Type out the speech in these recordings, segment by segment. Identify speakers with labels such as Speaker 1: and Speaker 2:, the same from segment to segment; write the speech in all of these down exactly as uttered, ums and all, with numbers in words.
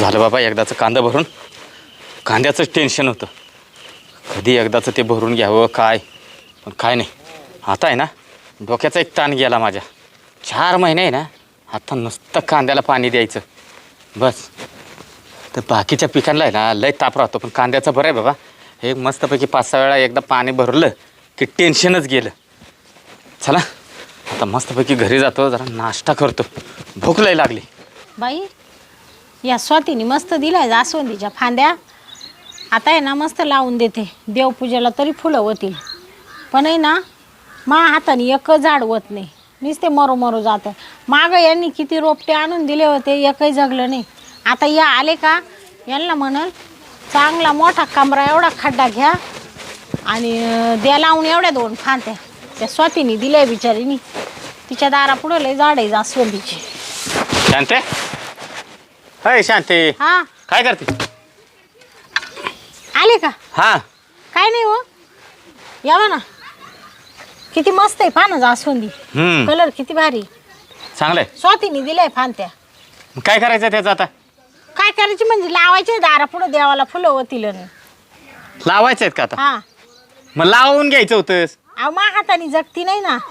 Speaker 1: झालं बाबा एकदाचं कांदा भरून. कांद्याचंच टेन्शन होतं, कधी एकदाचं ते भरून घ्यावं काय, पण काय नाही. आता आहे ना डोक्याचा एक ताण गेला माझ्या. चार महिने आहे ना आता नुसतं कांद्याला पाणी द्यायचं बस. तर बाकीच्या पिकांना आहे ना लय ताप राहतो, पण कांद्याचं बरं आहे बाबा. हे मस्तपैकी पाच सहा वेळा एकदा पाणी भरलं की टेन्शनच गेलं. चला आता मस्तपैकी घरी जातो, जरा नाश्ता करतो, भूक लय लागली.
Speaker 2: बाई या स्वातीने मस्त दिलाय जास्वंदीच्या फांद्या. आता आहे ना मस्त लावून देते, देवपूजेला तरी फुलं होतील. पण आहे ना मा हाताने एकच झाड होत नाही, नुसते मरो मरो जातं. मागं यांनी किती रोपटे आणून दिले होते, एकही जगलं नाही. आता या आले का यांना म्हणाल चांगला मोठा कमरा एवढा खड्डा घ्या आणि द्या लावून एवढ्या दोन फांद्या. त्या स्वातीने दिल्या बिचारीनी, तिच्या दारापुढं लय झाड आहे जास्वंदीची.
Speaker 1: शांते, हाय शांते,
Speaker 2: हा
Speaker 1: काय करते?
Speaker 2: आले का?
Speaker 1: हा
Speaker 2: काय नाही हो, यावा ना. किती मस्त आहे फान जास्वंदी,
Speaker 1: हम्म
Speaker 2: कलर किती भारी.
Speaker 1: चांगलंय.
Speaker 2: स्वातीने दिलाय फांत्या.
Speaker 1: काय करायचं त्याचं आता?
Speaker 2: काय करायची म्हणजे लावायचे दारा पुढे, देवाला फुलं होतील.
Speaker 1: लावायचं आहेत का आता?
Speaker 2: हा
Speaker 1: मग लावून घ्यायचं होतंस.
Speaker 2: अहो मा हाताने जगती नाही ना.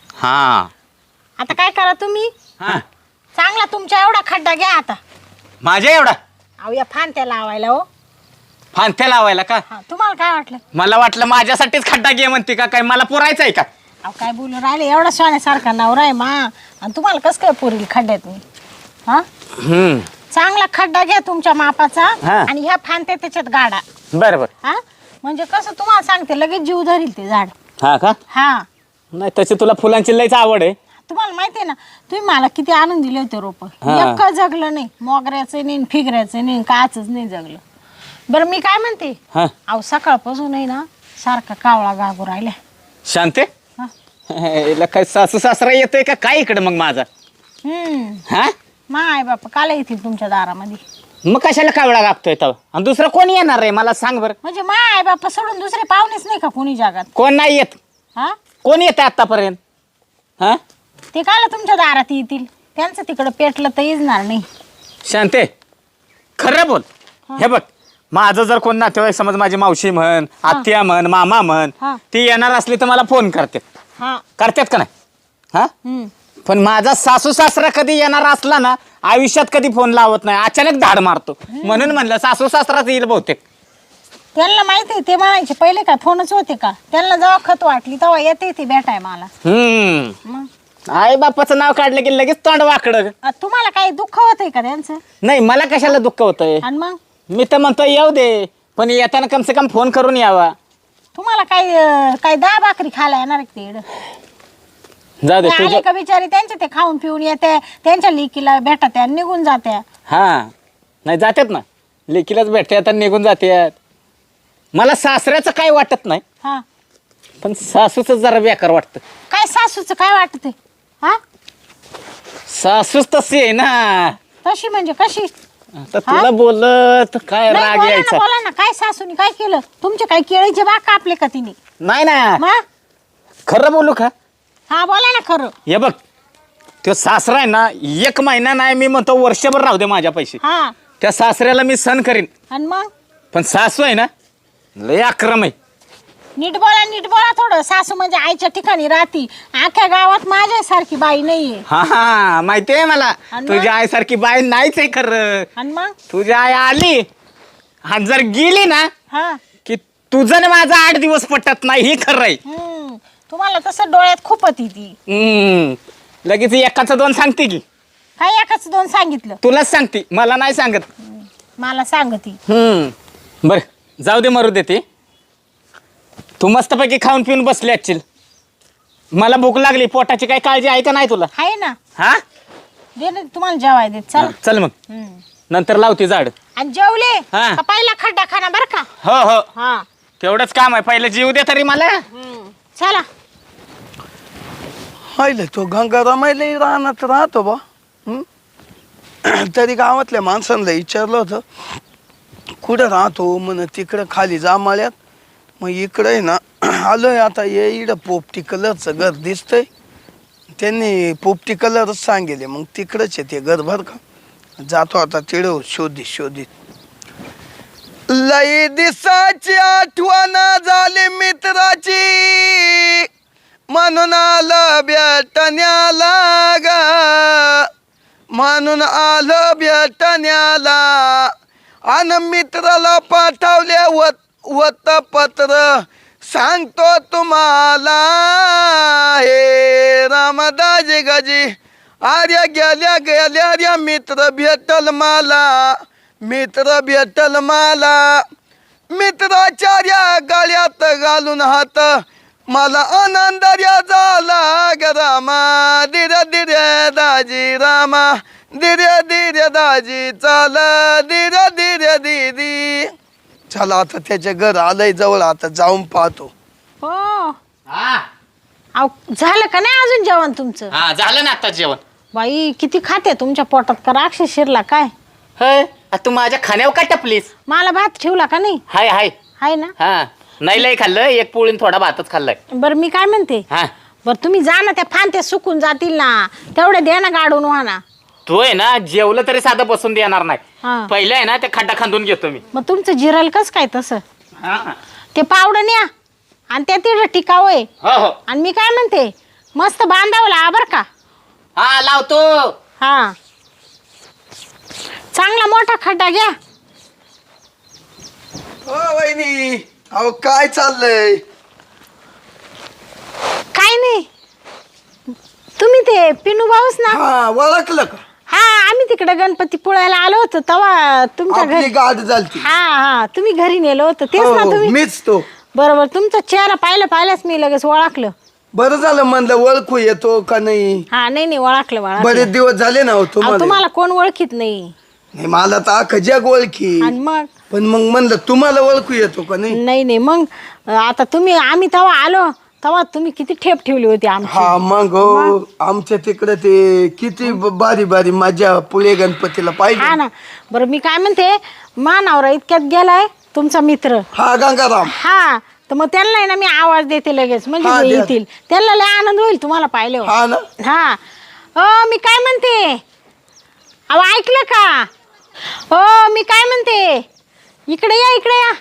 Speaker 1: हा
Speaker 2: आता काय करा तुम्ही,
Speaker 1: हा
Speaker 2: चांगला तुमच्या एवढा खड्डा घ्या आता.
Speaker 1: माझ्या एवढा
Speaker 2: अहो या फांत्या लावायला हो.
Speaker 1: फांत्या लावायला का?
Speaker 2: हा तुम्हाला काय वाटलं?
Speaker 1: मला वाटलं माझ्यासाठीच खड्डा घे म्हणते का काय, मला पुरायचं आहे का?
Speaker 2: अहो काय बोलून राहिले, एवढा सोन्यासारखा नवरा आहे मा, आणि तुम्हाला कसं काय पुरेल खड्ड्यात मी? हा
Speaker 1: हम्म
Speaker 2: चांगला खड्डा घ्या तुमच्या मापाचा,
Speaker 1: हा.
Speaker 2: आणि ह्या फांत्या त्याच्यात गाडा.
Speaker 1: बरं बरं.
Speaker 2: हा म्हणजे कसं तुम्हाला सांगते लगेच जीव धरील ते झाड.
Speaker 1: हा का?
Speaker 2: हा
Speaker 1: नाही तशी तुला फुलांची लयच आवड आहे.
Speaker 2: तुम्हाला माहिती आहे ना, तुम्ही मला किती आणून दिले होते रोप,
Speaker 1: हा.
Speaker 2: एक जगलं नाही. मोगऱ्याचं नाही, फिगऱ्याचं नाही, काचच नाही जगलं. बरं मी काय म्हणते,
Speaker 1: हा
Speaker 2: अहो सकाळपासून आहे ना सारखा कावळा गागू राहिला.
Speaker 1: शांते,
Speaker 2: हा.
Speaker 1: हिला काय सासू सासरा येतोय का काय इकडे मग माझा?
Speaker 2: हम्म
Speaker 1: हा
Speaker 2: मा आई बापा काल येतील तुमच्या दारामध्ये.
Speaker 1: मग कशाला कावळा गागतोय तो? आणि दुसरं कोणी येणार आहे मला सांग बरं.
Speaker 2: म्हणजे मा आई बापा सोडून दुसरे पाहुणेच नाही का कोणी जगात?
Speaker 1: कोण नाही येत?
Speaker 2: हा
Speaker 1: कोण येतं आतापर्यंत? हा
Speaker 2: ते काल तुमच्या दारात येतील, त्यांचं तिकडं पेटलं तर येणार नाही.
Speaker 1: शांते खरं बोल. हे बघ, माझं जर कोण नातेवाईक समज माझी मावशी म्हण, आत्या म्हण, मामा म्हण,
Speaker 2: हा.
Speaker 1: ती येणार असली तर मला फोन करते.
Speaker 2: हा
Speaker 1: करतात का नाही? हा
Speaker 2: हम्म
Speaker 1: पण माझा सासू सासरा कधी येणार असला ना, आयुष्यात कधी फोन लावत नाही, अचानक धाड मारतो. म्हणून म्हणलं सासू सासराच येईल बहुतेक.
Speaker 2: त्यांना माहिती आहे, ते म्हणायचे पहिले का फोनच होते का? त्यांना जेव्हा खत वाटली तेव्हा येते ती भेटाय मला.
Speaker 1: हम्म
Speaker 2: मग
Speaker 1: आई बापाचं नाव काढलं की लगेच तोंड वाकडं.
Speaker 2: अ, तुम्हाला काही दुःख होतंय का त्यांचं?
Speaker 1: नाही मला कशाला दुःख होतंय,
Speaker 2: आणि मग
Speaker 1: मी तर म्हणतो येऊ दे, पण येताना कम से कम फोन करून यावा.
Speaker 2: तुम्हाला काही अ, काही दहा भाकरी खायला येणार आहे का ते इकडं?
Speaker 1: जाऊ दे
Speaker 2: ते आले
Speaker 1: तुझं.
Speaker 2: का बिचारी त्यांचे ते खाऊन पिऊन येते, त्यांच्या लेकीला भेटत आणि निघून जात्या.
Speaker 1: हा नाही जातात ना, लेकीलाच भेटते आता निघून जातात. मला सासऱ्याचं काय वाटत नाही,
Speaker 2: हा
Speaker 1: पण सासूचं जरा बेकार वाटतं.
Speaker 2: काय सासूचं काय वाटत हा?
Speaker 1: सासूच तशी आहे ना.
Speaker 2: तशी म्हणजे कशी?
Speaker 1: आता तुला बोलत काय
Speaker 2: नाही,
Speaker 1: राग
Speaker 2: बोला ना
Speaker 1: यायचा?
Speaker 2: बोला ना, काय सासूनी काय केलं? तुमचे काय केळीचे बाग कापले का तिने?
Speaker 1: नाही ना,
Speaker 2: मग
Speaker 1: खरं बोलू का?
Speaker 2: हा बोला ना खरं.
Speaker 1: हे बघ, तो सासरा आहे ना, एक महिना नाही मी म्हणतो वर्षभर राहू दे माझ्या पैसे,
Speaker 2: हा
Speaker 1: त्या सासऱ्याला मी सण करीन.
Speaker 2: आणि मग
Speaker 1: पण सासू आहे ना लय अक्रम आहे.
Speaker 2: नीट बोला नीट बोला थोडं. सासू म्हणजे आईच्या ठिकाणी राहती, अख्ख्या गावात माझ्यासारखी बाई नाहीये.
Speaker 1: हा हा माहिती आहे मला,
Speaker 2: आणि
Speaker 1: तुझ्या
Speaker 2: मग?
Speaker 1: आईसारखी बाई नाहीच आहे खरं.
Speaker 2: आणि मग
Speaker 1: तुझी आई आली आणि जर गेली ना
Speaker 2: हा
Speaker 1: की तुझं ना माझा आठ दिवस पटत नाही, ही खरं आहे.
Speaker 2: हम्म तुम्हाला तसं डोळ्यात खूप होती ती.
Speaker 1: हम्म लगेच एकाचं दोन सांगते की?
Speaker 2: काय एकाच दोन सांगितलं?
Speaker 1: तुलाच सांगते, मला नाही सांगत.
Speaker 2: मला सांगती.
Speaker 1: हम्म बर जाऊ दे, मरू दे ते. तू मस्तपैकी खाऊन पिऊन बसली असशील, मला भूक लागली. पोटाची काही काळजी आहे का नाही तुला?
Speaker 2: आहे ना,
Speaker 1: हा
Speaker 2: दे ना तुम्हाला जेवाय देत. चल
Speaker 1: चल मग
Speaker 2: हम्म.
Speaker 1: नंतर लावते झाड.
Speaker 2: आणि जेवले
Speaker 1: हा.
Speaker 2: का पहिला खड्डा खाना बर का?
Speaker 1: हो हो
Speaker 2: हा
Speaker 1: तेवढंच काम आहे, पहिलं जीव दे तरी मला.
Speaker 2: हम्म. चला.
Speaker 3: हायले तो गंगारामायला रानात राहतो बा. हं? तरी गावातल्या माणसांना विचारलं होतं कुठं राहतो, म्हण तिकडं खाली जांभळ्यात. मग इकडं आहे ना आलोय आता, ये इकडं पोपटी कलरचं घर दिसतंय. त्यांनी पोपटी कलरच सांगेले, मग तिकडंच आहे ते घर बरं का. जातो आता तिळव शोधित शोधित लई दिसाची आठवण झाली मित्राची म्हणून आलं भेटण्याला ग म्हणून आलं भेटण्याला अन मित्राला पाठवले वत वत पत्र सांगतो तुम्हाला हे रामदाजी गजी आर्या गेल्या गेल्या रे मित्र भेटल मला मित्र भेटल मला मित्राच्या गळ्यात घालून हात मला आनंद झाला ग रामा धीरे धीरे दाजी रामा धीरे धीरे दाजी चाल धीरे धीरे दीदी चला आता त्याच्या घर आलंय जवळ आता जाऊन पाहतो
Speaker 2: हो
Speaker 1: हा
Speaker 2: अहो झालं का नाही अजून जेवण तुमचं
Speaker 1: हा झालं ना आता जेवण.
Speaker 2: बाई किती खाते तुमच्या पोटात का राक्षस शिरला काय
Speaker 1: होय आ, तू माझ्या खाण्यावर का टपलीस?
Speaker 2: मला भात ठेवला का नाही
Speaker 1: हाय हाय
Speaker 2: आहे ना
Speaker 1: हा नाही लय खाल्लं एक पोळीन थोडा भातच खाल्लाय.
Speaker 2: बरं मी काय म्हणते
Speaker 1: हा
Speaker 2: बरं तुम्ही जा ना त्या फांत्या सुकून जातील ना तेवढे द्या ना गाडून व्हा ना.
Speaker 1: तू आहे ना जेवलं तरी साधं बसून देणार नाही.
Speaker 2: हा.
Speaker 1: पहिलं आहे ना ते खड्डा खांदून घेतो मी.
Speaker 2: मग तुमचं जिरल कस काय तसं
Speaker 1: हा
Speaker 2: ते पावडं न्या आणि त्या तिथं टिकाव आहे
Speaker 1: हो हो
Speaker 2: आणि मी काय म्हणते मस्त बांधावं ला बरं का.
Speaker 1: हा लावतो.
Speaker 2: हा चांगला मोठा खड्डा घ्या.
Speaker 3: हो वहिनी अहो काय चाललंय
Speaker 2: काय नाही तुम्ही ते पिनू भाऊस ना.
Speaker 3: हा ओळखलं का
Speaker 2: हा आम्ही तिकडे गणपती पुळायला आलो होतो तेव्हा तुमच्या
Speaker 3: आपली
Speaker 2: घरी.
Speaker 3: गाठ झालती
Speaker 2: हा हा तुम्ही घरी नेलं होतं तेच ना
Speaker 3: हो,
Speaker 2: तुम्ही.
Speaker 3: मीच तो
Speaker 2: बरोबर तुमचा चेहरा पाहिलं पाहिलंच मी लगेच ओळखलं.
Speaker 3: बरं झालं म्हणलं ओळखू येतो का नाही
Speaker 2: हा नाही नाही ओळखलं ओळखलं.
Speaker 3: बरेच दिवस झाले ना हो
Speaker 2: अहो,
Speaker 3: तुम्हाला
Speaker 2: तुम्हाला कोण ओळखीत नाही
Speaker 3: नाही मला तर अख्खं जग ओळखी
Speaker 2: आणि मग
Speaker 3: पण मग म्हणलं तुम्हाला ओळखू येतो का नाही
Speaker 2: नाही नाही मग आता तुम्ही आम्ही तेव्हा आलो तेव्हा तुम्ही किती ठेप ठेवली होती आमची.
Speaker 3: हा मग हो आमच्या तिकडे ते किती ब- बारी बारी माझ्या पुणे गणपतीला
Speaker 2: हा
Speaker 3: पाहिजे
Speaker 2: ना बरं मी काय म्हणते मानावरा इतक्यात गेलाय तुमचा मित्र.
Speaker 3: हा गंगाराम
Speaker 2: हा तर मग त्यांना आहे ना मी आवाज देते लगेच म्हणजे
Speaker 3: हा,
Speaker 2: ते
Speaker 3: द्या.
Speaker 2: येतील त्यांना लय आनंद होईल तुम्हाला पाहिल्यावर.
Speaker 3: हा ना
Speaker 2: हा हो मी काय म्हणते अहो ऐकलं का हो मी काय म्हणते इकडे या इकडे या.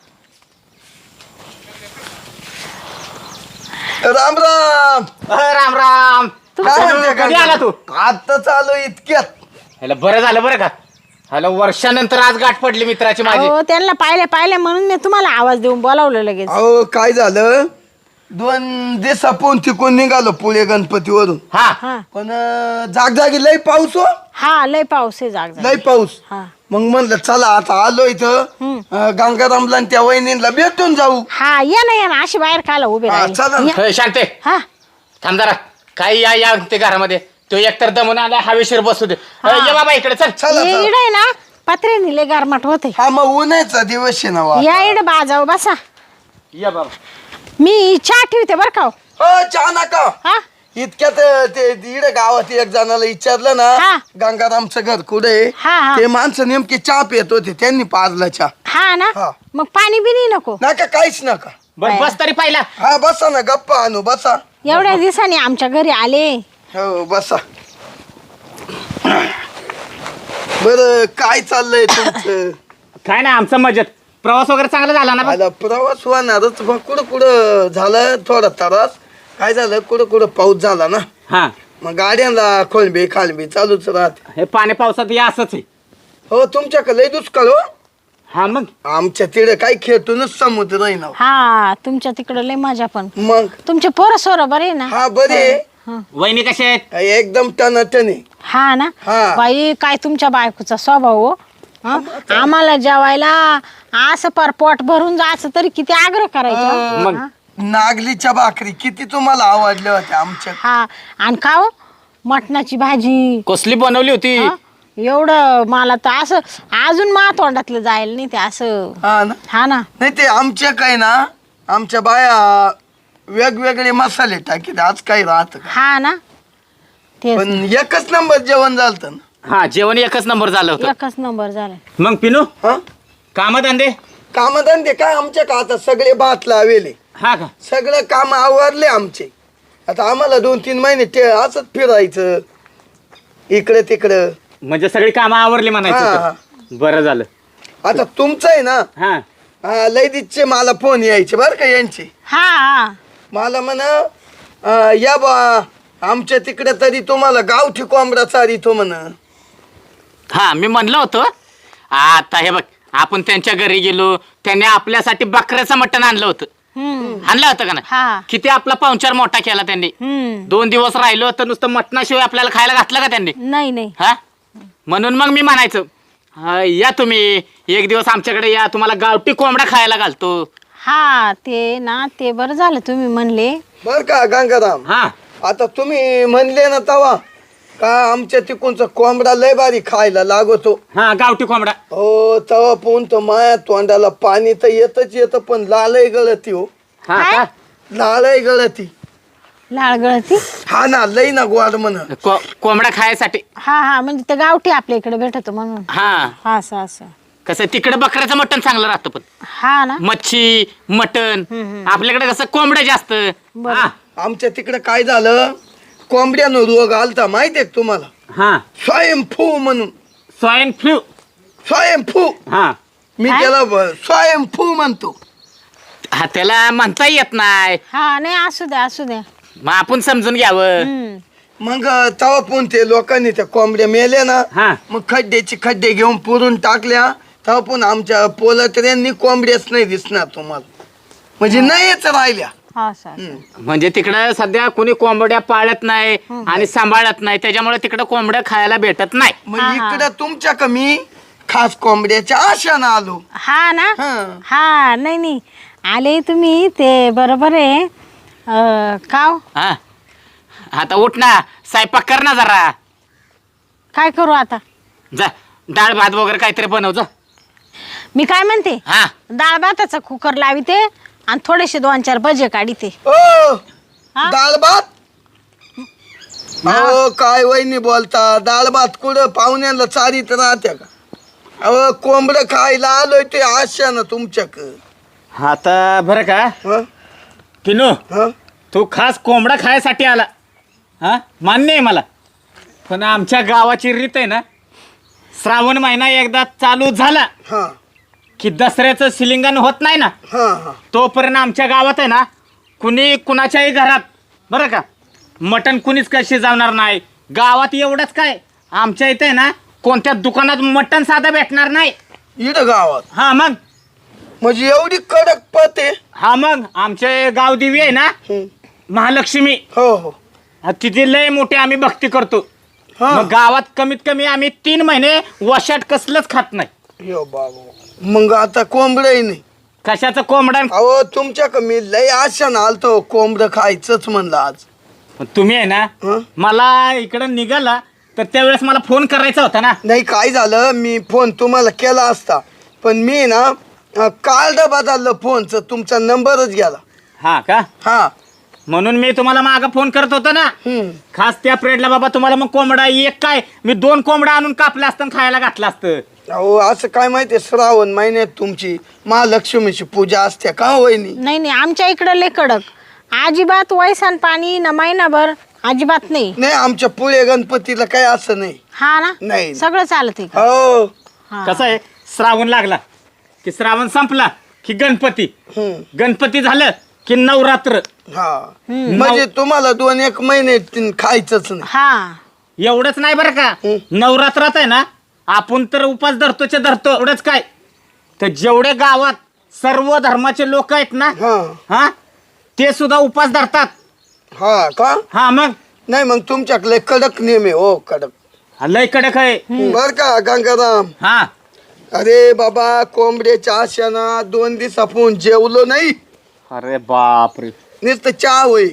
Speaker 3: राम राम
Speaker 1: अ, राम राम.
Speaker 3: काय म्हणते
Speaker 1: कधी आला तू?
Speaker 3: आता चालू इतक्यात
Speaker 1: ह्याला बरं झालं बरं का ह्याला वर्षानंतर आज गाठ पडली मित्राची माझी.
Speaker 2: हो त्यांना पाहिले पाहिले म्हणून मी तुम्हाला आवाज देऊन बोलावलं लगेच.
Speaker 3: अहो काय झालं दोन दिवसापून तिकून निघालो पुणे गणपतीवरून
Speaker 1: हा
Speaker 2: हा
Speaker 3: पण अं, जागजागी लय पाऊस हो
Speaker 2: हा लय पाऊस आहे जाग
Speaker 3: लय पाऊस
Speaker 2: हा
Speaker 3: मग म्हणलं चला आता आलो इथं
Speaker 2: हम्म.
Speaker 3: अं, गंगारामला आणि त्या वहिनीला भेटून जाऊ
Speaker 2: हा या ना या ना अशी बाहेर खायला उभे
Speaker 3: हा, चला ना.
Speaker 2: राहिले.
Speaker 1: होय, शांते
Speaker 2: हा
Speaker 1: थांब जरा काही या या ते घरामध्ये तो एकतर दमून आला हवेशीर बसू दे. अ, ये बाबा इकडे चल.
Speaker 3: चला
Speaker 2: ये
Speaker 3: चला.
Speaker 2: इड आहे ना पत्रे निले गारमाट होते.
Speaker 3: हा मग उन्हाचा दिवस आहे ना वा.
Speaker 2: या इड बाजाव बसा
Speaker 1: या बाबा
Speaker 2: मी चहा ठेवते बर का हो.
Speaker 3: हो चहा नका
Speaker 2: हा
Speaker 3: इतक्यात ते इकडे गावात एक जणाला विचारलं
Speaker 2: हा.
Speaker 3: ना गंगारामचं घर कुठे आहे?
Speaker 2: हा, हा.
Speaker 3: ते माणसं नेमके चहा पित होते त्यांनी पाजला चहा
Speaker 2: हा ना
Speaker 3: हा.
Speaker 2: मग पाणी बिनी नको.
Speaker 3: नका काहीच नका
Speaker 1: बस बस तरी पाहिला.
Speaker 3: हा बसा ना गप्पा आणू बसा
Speaker 2: एवढ्या दिवसांनी आमच्या घरी आले.
Speaker 3: हो बसा बर काय चाललंय तुमचं
Speaker 1: काय नाही आमचं मजेत. प्रवास वगैरे चांगला झाला ना बा?
Speaker 3: आला प्रवास होणारच मग कुठं कुठं झालं थोडा त्रास काय झालं कुठं कुठं पाऊस झाला ना
Speaker 1: हा
Speaker 3: मग गाड्यांना खोलबी खालबी चालूच राहते
Speaker 1: हे पाणी पावसात या असंच आहे.
Speaker 3: हो तुमच्याकडे लय दुष्काळ हो
Speaker 1: हा मग
Speaker 3: आमच्या तिकडे काही खेळतूनच समुद्र आहे ना
Speaker 2: हा तुमच्या तिकडं लय मजा पण.
Speaker 3: मग
Speaker 2: तुमचे पोरं सोर बरे ना.
Speaker 3: हा बरे
Speaker 2: हा.
Speaker 1: वहिनी कसे आहेत?
Speaker 3: एकदम टनाटने
Speaker 2: हा ना
Speaker 3: हा.
Speaker 2: बाई काय तुमच्या बायकोचा स्वभाव हो. हा? आम्हाला जेवायला असं पर पोट भरून जायचं तरी किती आग्रह करायचा.
Speaker 1: मग
Speaker 2: हा?
Speaker 3: नागलीच्या भाकरी किती तुम्हाला आवडल्या होत्या आमच्या
Speaker 2: हा आणि का हो मटणाची भाजी
Speaker 1: कसली बनवली होती?
Speaker 2: हा? एवढं मला तर असं अजून मा तोंडातलं जायला नाही ते असं.
Speaker 3: हा ना
Speaker 2: हा ना
Speaker 3: नाही ते आमच्या काय ना आमच्या बाया वेगवेगळे मसाले टाकीत आज काही राहत का
Speaker 2: हा ना तेच
Speaker 3: पण एकच नंबर जेवण झालत ना
Speaker 1: हा जेवण एकच नंबर झालं होतं.
Speaker 2: एकच नंबर झाला.
Speaker 1: मग पिनू
Speaker 3: हा
Speaker 1: काम धंदे
Speaker 3: कामधंदे काय आमच्या का आता सगळे भात लावेले
Speaker 1: हा का?
Speaker 3: सगळं काम आवरले आमचे आता आम्हाला दोन तीन महिने ते असंच फिरायचं इकडं तिकडं
Speaker 1: म्हणजे सगळी कामं आवरली
Speaker 3: हा,
Speaker 1: म्हणायचं
Speaker 3: हा.
Speaker 1: तर. बरं झालं.
Speaker 3: आता तुमचं आहे ना
Speaker 1: हा
Speaker 3: हा, लयदीचे मला फोन यायचे बरं का यांचे.
Speaker 2: हा हा
Speaker 3: मला म्हणा अं, या बा आमच्या तिकडे तरी तुम्हाला गावठी कोंबडा चारितो म्हण.
Speaker 1: हा मी म्हणलं होतं. आता हे बघ, आपण त्यांच्या घरी गेलो, त्यांनी आपल्यासाठी बकऱ्याचं मटण आणलं होतं.
Speaker 2: हम्म
Speaker 1: आणलं होतं का
Speaker 2: हा.
Speaker 1: ना? किती आपला पाहुणचार मोठा केला त्यांनी.
Speaker 2: हम्म
Speaker 1: दोन दिवस राहिलो तर नुसतं मटणाशिवाय आपल्याला खायला घातलं का त्यांनी?
Speaker 2: नाही नाही
Speaker 1: हा म्हणून मग मी म्हणायचं हा, या तुम्ही एक दिवस आमच्याकडे या, तुम्हाला गावठी कोंबडा खायला घालतो.
Speaker 2: हा ते ना ते बरं झालं तुम्ही म्हणले.
Speaker 3: बर का गंगाराम,
Speaker 1: हा
Speaker 3: आता तुम्ही म्हणले ना तवा का आमच्या तिकडचा कोंबडा लय भारी खायला लागतो.
Speaker 1: हा गावठी कोंबडा.
Speaker 3: हो तवा पोहून तो माया तोंडाला पाणी तर येतच येतं, पण लालही गळती हो.
Speaker 1: हा
Speaker 2: काय?
Speaker 1: का?
Speaker 3: लालही गळती.
Speaker 2: लाळ गळती.
Speaker 3: हा ना लई ना गोड म्हण.
Speaker 1: को- कोंबडा खायसाठी.
Speaker 2: हा हा म्हणजे ते गावठी आपल्या इकडे भेटतो म्हणून.
Speaker 1: हा
Speaker 2: हा असं असं.
Speaker 1: कसं तिकडे बकऱ्याचं मटण चांगलं राहतं, पण
Speaker 2: हा ना.
Speaker 1: मच्छी मटण
Speaker 2: हम्म, हम्म.
Speaker 1: आपल्याकडे कसं कोंबडं जास्त.
Speaker 2: बरं.
Speaker 1: हा
Speaker 3: आमच्या तिकडे काय झालं, कोंबड्यानं रोग आलता माहितीये का तुम्हाला?
Speaker 1: हा
Speaker 3: स्वयंफू म्हणून.
Speaker 1: Swine flu.
Speaker 3: स्वयंफू.
Speaker 1: हा
Speaker 3: मी
Speaker 2: काय?
Speaker 3: त्याला ब- स्वयंफू म्हणतो.
Speaker 1: हा त्याला म्हणता येत नाही,
Speaker 2: हा नाही असू द्या असू द्या.
Speaker 1: मग आपण समजून घ्यावं.
Speaker 2: हम्म
Speaker 3: मग तवा पण ते लोकांनी त्या कोंबड्या मेल्या ना,
Speaker 1: हा
Speaker 3: मग खड्ड्याचे खड्डे घेऊन पुरून टाकल्या. तेव्हा पण आमच्या पोलात्र्यांनी कोंबड्याच नाही दिसणार तुम्हाला, म्हणजे नाहीच राहिल्या.
Speaker 2: हा असं असं.
Speaker 3: हम्म.
Speaker 1: म्हणजे तिकडं सध्या कोणी कोंबड्या पाळत नाही आणि सांभाळत नाही, त्याच्यामुळे तिकडं कोंबड्या खायला भेटत नाही.
Speaker 3: मग
Speaker 2: हा, हा.
Speaker 3: इकडं तुमच्या कमी खास कोंबड्याच्या आशानं आलो.
Speaker 2: हा ना.
Speaker 3: हा.
Speaker 2: हा नाही नाही आले तुम्ही ते बरोबर आहे. अं, काव
Speaker 1: हा आता उठ ना, स्वयंपाक कर ना जरा.
Speaker 2: काय करू आता?
Speaker 1: जा डाळ भात वगैरे काहीतरी बनव जा.
Speaker 2: मी काय म्हणते,
Speaker 1: हा
Speaker 2: डाळ भाताचा कुकर लाविते आणि थोडेसे दोन चार भजे काढीते.
Speaker 3: ओ
Speaker 2: हा?
Speaker 3: डाळ भात. अहो काय वहिनी बोलता, डाळ भात कुठं पाहुण्याला चारीत राहत्या का? अहो कोंबडं खायला आलोय ते आशानं तुमच्याक.
Speaker 1: आता बरं का
Speaker 3: हं?
Speaker 1: पिनू,
Speaker 3: हं?
Speaker 1: तू खास कोंबडा खायसाठी आला. हा मान्य आहे मला, पण आमच्या गावाची रीत आहे ना, श्रावण महिना एकदा चालू झाला
Speaker 3: हा
Speaker 1: की दसऱ्याचं शिलिंगण होत नाही ना,
Speaker 3: हा हा
Speaker 1: तोपर्यंत आमच्या गावात आहे ना, कुणी कुणाच्याही घरात बरं का मटण कुणीच काय शिजवणार नाही. गावात एवढंच काय, आमच्या इथे आहे ना कोणत्या दुकानात मटण साधं भेटणार नाही.
Speaker 3: इथं गावात
Speaker 1: हा मग
Speaker 3: म्हणजे एवढी कडक पत आहे.
Speaker 1: हा मग आमचे गावदेवी आहे ना
Speaker 3: हं.
Speaker 1: महालक्ष्मी,
Speaker 3: हो हो
Speaker 1: हा, तिथे लय मोठे आम्ही भक्ती करतो.
Speaker 3: हा.
Speaker 1: मग गावात कमीत कमी आम्ही तीन महिने वशाट कसलंच खात नाही.
Speaker 3: यो बाबा, मग आता कोंबडही नाही.
Speaker 1: कशाचं कोंबडण.
Speaker 3: अहो तुमच्या कमी लय आशानं आलतो, कोंबडं खायचंच म्हणलं आज.
Speaker 1: तुम्ही आहे ना
Speaker 3: हं?
Speaker 1: मला इकडं निघाला तर त्यावेळेस मला फोन करायचा होता ना.
Speaker 3: नाही काय झालं, मी फोन तुम्हाला केला असता, पण मी ना अं, कार्ड बदललं फोनचं, तुमचा नंबरच गेला.
Speaker 1: हा का,
Speaker 3: हा
Speaker 1: म्हणून मी तुम्हाला मागं फोन करत होतो ना.
Speaker 3: हम्म.
Speaker 1: खास त्या पिरियडला बाबा तुम्हाला मग कोंबडा एक काय मी दोन कोंबडा आणून कापलं असतं आणि खायला घातलं असतं.
Speaker 3: अहो असं काय माहितीये, श्रावण महिन्यात तुमची महालक्ष्मीची पूजा असते का हो वहिनी?
Speaker 2: नाही नाही आमच्या इकडं लय कडक. अजिबात वयसान पाणी न महिनाभर अजिबात नाही.
Speaker 3: नाही आमच्या पुढे गणपतीला काय असं नाही.
Speaker 2: हा ना
Speaker 3: नाही.
Speaker 2: सगळं चालत आहे का?
Speaker 3: हो
Speaker 2: हा.
Speaker 1: कसं आहे, श्रावण लागला की श्रावण संपला की गणपती,
Speaker 3: हम्म.
Speaker 1: गणपती झालं की नवरात्र.
Speaker 3: हा म्हणजे तुम्हाला दोन एक महिने तीन खायचंच नाही.
Speaker 2: हा
Speaker 1: एवढंच नाही बरं का,
Speaker 3: हं.
Speaker 1: नवरात्रात आहे ना आपण तर उपास धरतोचे धरतो. एवढंच काय तर जेवढे गावात सर्व धर्माचे लोक आहेत ना,
Speaker 3: हा
Speaker 1: हा ते सुद्धा उपास धरतात.
Speaker 3: हा का?
Speaker 1: हा मग
Speaker 3: नाही मग तुमच्याकडे कडक नियम आहे हो, कडक.
Speaker 1: हा, लय कडक आहे.
Speaker 3: बर का गंगाराम?
Speaker 1: हा
Speaker 3: अरे बाबा कोंबड्याच्या आशाना दोन दिवस आपण जेवलो नाही,
Speaker 1: अरे बापरे.
Speaker 3: नुसतं चहा होई.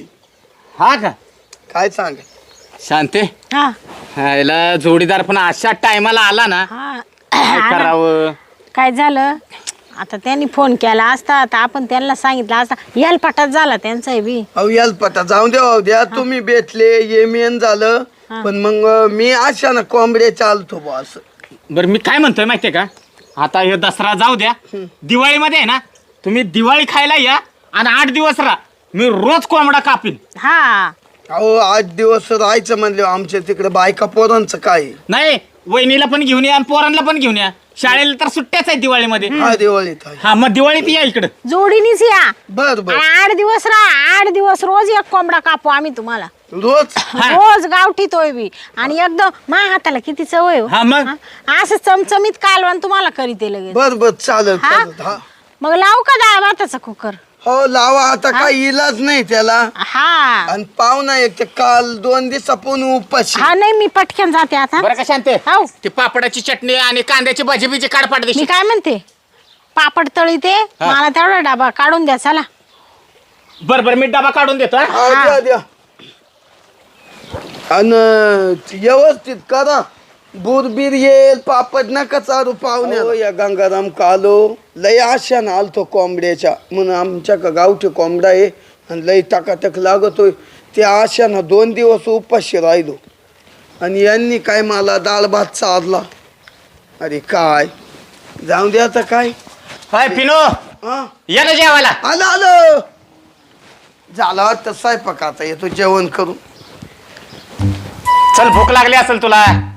Speaker 1: हा का
Speaker 3: काय सांग.
Speaker 1: शांते,
Speaker 2: हा
Speaker 1: ह्याला जोडीदार पण अशा टायमाला आला ना,
Speaker 2: हा
Speaker 1: काय करावं.
Speaker 2: काय झालं आता त्यांनी फोन केला असता तर आपण त्यांना सांगितलं असता. याल पटात झाला त्यांचा बी.
Speaker 3: अहो याल पटा जाऊ द्या द्या, तुम्ही भेटले ये मेन झालं,
Speaker 2: हा.
Speaker 3: पण मग मी आशानं कोंबड्या चालतो बा असं.
Speaker 1: बरं मी काय म्हणतोय माहितीये का, आता हे दसरा जाऊ द्या, दिवाळीमध्ये आहे ना तुम्ही दिवाळी खायला या आणि आठ दिवस राहा, मी रोज कोंबडा कापीन.
Speaker 2: हा
Speaker 3: अहो आठ दिवस राहायचं म्हणले, आमच्या तिकडे बायका पोरांचं काय.
Speaker 1: नाही वहिनीला पण घेऊन या आणि पोरांना पण घेऊन या. शाळेला तर सुट्ट्याच आहे दिवाळीमध्ये.
Speaker 3: हा दिवाळीत आहे.
Speaker 1: हा मग दिवाळीत या इकडं.
Speaker 2: जोडीनीच या.
Speaker 3: बर बर.
Speaker 2: आणि आठ दिवस राहा. आठ दिवस रोज एक कोंबडा कापू आम्ही तुम्हाला.
Speaker 3: रोज
Speaker 1: हा.
Speaker 2: रोज गावठी तोय बी. आणि एकदम मा हाताला किती चव आहे हो.
Speaker 1: हा मग?
Speaker 2: हा? असं चमचमीत कालवण तुम्हाला करीते लगेच.
Speaker 3: बर बर चालेल
Speaker 2: हा?
Speaker 3: चालेल. हा
Speaker 2: मग लावू का डाळ भाताचा कुकर?
Speaker 3: हो लावा आता काही इलाज नाही त्याला.
Speaker 2: हा
Speaker 3: आणि पाहुणा एक ते काल दोन दिवस आपण उपाशी.
Speaker 2: हा नाही मी पटकन जाते आता.
Speaker 1: बरं का शांते,
Speaker 2: हो.
Speaker 1: ते पापडाची चटणी आणि कांद्याची भाजी बिजी काढ पाठ
Speaker 2: मी
Speaker 1: देशील.
Speaker 2: काय म्हणते पापड तळी ते मला तेवढा डबा काढून द्या चला.
Speaker 1: बर बर मी डबा काढून देतो. हा?
Speaker 3: हा, द्या द्या. आणि व्यवस्थित करा. बुरबीर येईल पापड नका चारू पाहुण्या. या गंगाराम कालो लय आशान आलतो कोंबड्याच्या म्हणून आमच्या का गावठी कोंबडा आहे आणि लय टाकाटक लागतोय. त्या आशानं दोन दिवस उपाशी राहिलो आणि यांनी काय मला डाळ भात चारला. अरे काय जाऊ दे आता काय.
Speaker 1: हाय पिनो,
Speaker 3: हा
Speaker 1: या ना जेवायला.
Speaker 3: आलं आलं झालं वाटतं स्वयंपाक आता येतो जेवण करून.
Speaker 1: चल भूक लागली असेल तुला.